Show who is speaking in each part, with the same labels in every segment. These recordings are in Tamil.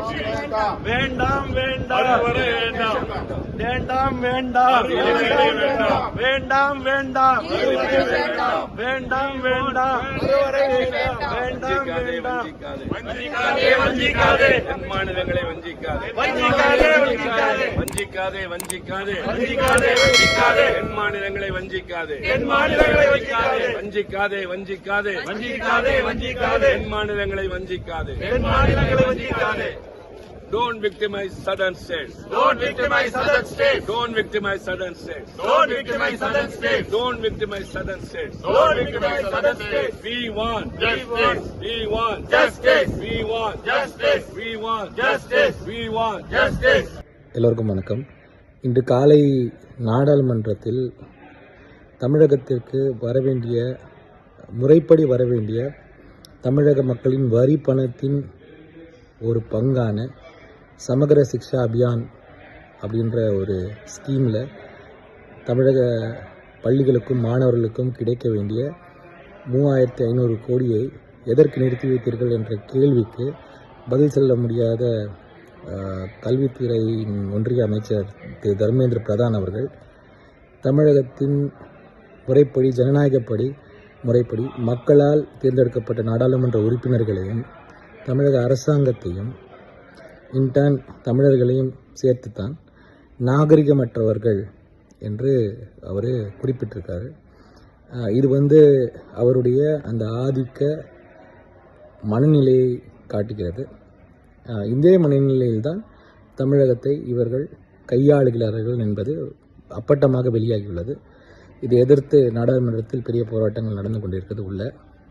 Speaker 1: வேண்டாம் வேண்டாம் வேண்டாம் வேண்டாம் வேண்டாம் வேண்டாம் வேண்டாம் வேண்டாம் வேண்டாம் வஞ்சிக்காதே
Speaker 2: மாநிலங்களை வஞ்சிக்காதே
Speaker 1: வஞ்சிக்காதே
Speaker 2: வஞ்சிக்காதே வஞ்சிக்காதே
Speaker 1: வஞ்சிக்காதே வஞ்சிக்காதே
Speaker 2: என் மாநிலங்களை வஞ்சிக்காதே
Speaker 1: என் மாநிலங்களை வஞ்சிக்காதே
Speaker 2: வஞ்சிக்காதே வஞ்சிக்காதே
Speaker 1: வஞ்சிக்காதே வஞ்சிக்காதே
Speaker 2: என் மாநிலங்களை வஞ்சிக்காதே
Speaker 1: என் மாநிலங்களை வஞ்சிக்காதே.
Speaker 2: Don't victimize southern states.
Speaker 1: Don't victimize southern states.
Speaker 2: Don't victimize southern states.
Speaker 1: Don't victimize southern states.
Speaker 2: Don't victimize southern states.
Speaker 1: Don't victimize southern states.
Speaker 2: We want
Speaker 1: justice.
Speaker 2: We want
Speaker 1: Justice.
Speaker 2: We want
Speaker 1: Justice.
Speaker 2: We want
Speaker 1: Justice.
Speaker 2: We want
Speaker 1: Justice.
Speaker 3: எல்லோருக்கும் வணக்கம். இன்று காலை நாடாளுமன்றத்தில் தமிழகத்திற்கு முறைப்படி வரவேண்டிய தமிழக மக்களின் வரி பணத்தின் ஒரு பங்கான சமகர சிக்ஷா அபியான் அப்படின்ற ஒரு ஸ்கீமில் தமிழக பள்ளிகளுக்கும் மாணவர்களுக்கும் கிடைக்க வேண்டிய 3500 கோடியை எதற்கு நிறுத்தி வைத்தீர்கள் என்ற கேள்விக்கு பதில் சொல்ல முடியாத கல்வித்துறையின் ஒன்றிய அமைச்சர் திரு தர்மேந்திர பிரதான் அவர்கள் தமிழகத்தின் முறைப்படி முறைப்படி மக்களால் தேர்ந்தெடுக்கப்பட்ட நாடாளுமன்ற உறுப்பினர்களையும் தமிழக அரசாங்கத்தையும் இன்டர்ன் தமிழர்களையும் சேர்த்துத்தான் நாகரிகமற்றவர்கள் என்று அவர் குறிப்பிட்டிருக்காரு. இது அவருடைய அந்த ஆதிக்க மனநிலையை காட்டுகிறது. இந்த மனநிலையில்தான் தமிழகத்தை இவர்கள் கையாளுகிறார்கள் என்பது அப்பட்டமாக வெளியாகியுள்ளது. இதை எதிர்த்து நாடாளுமன்றத்தில் பெரிய போராட்டங்கள் நடந்து கொண்டிருக்கிறது உள்ள.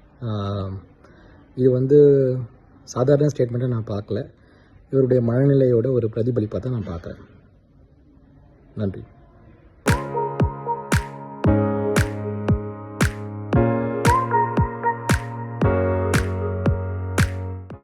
Speaker 3: இது சாதாரண ஸ்டேட்மெண்ட்டை நான் பார்க்கல, இவருடைய மனநிலையோட ஒரு பிரதிபலிப்பாக தான் நான் பார்க்குறேன். நன்றி.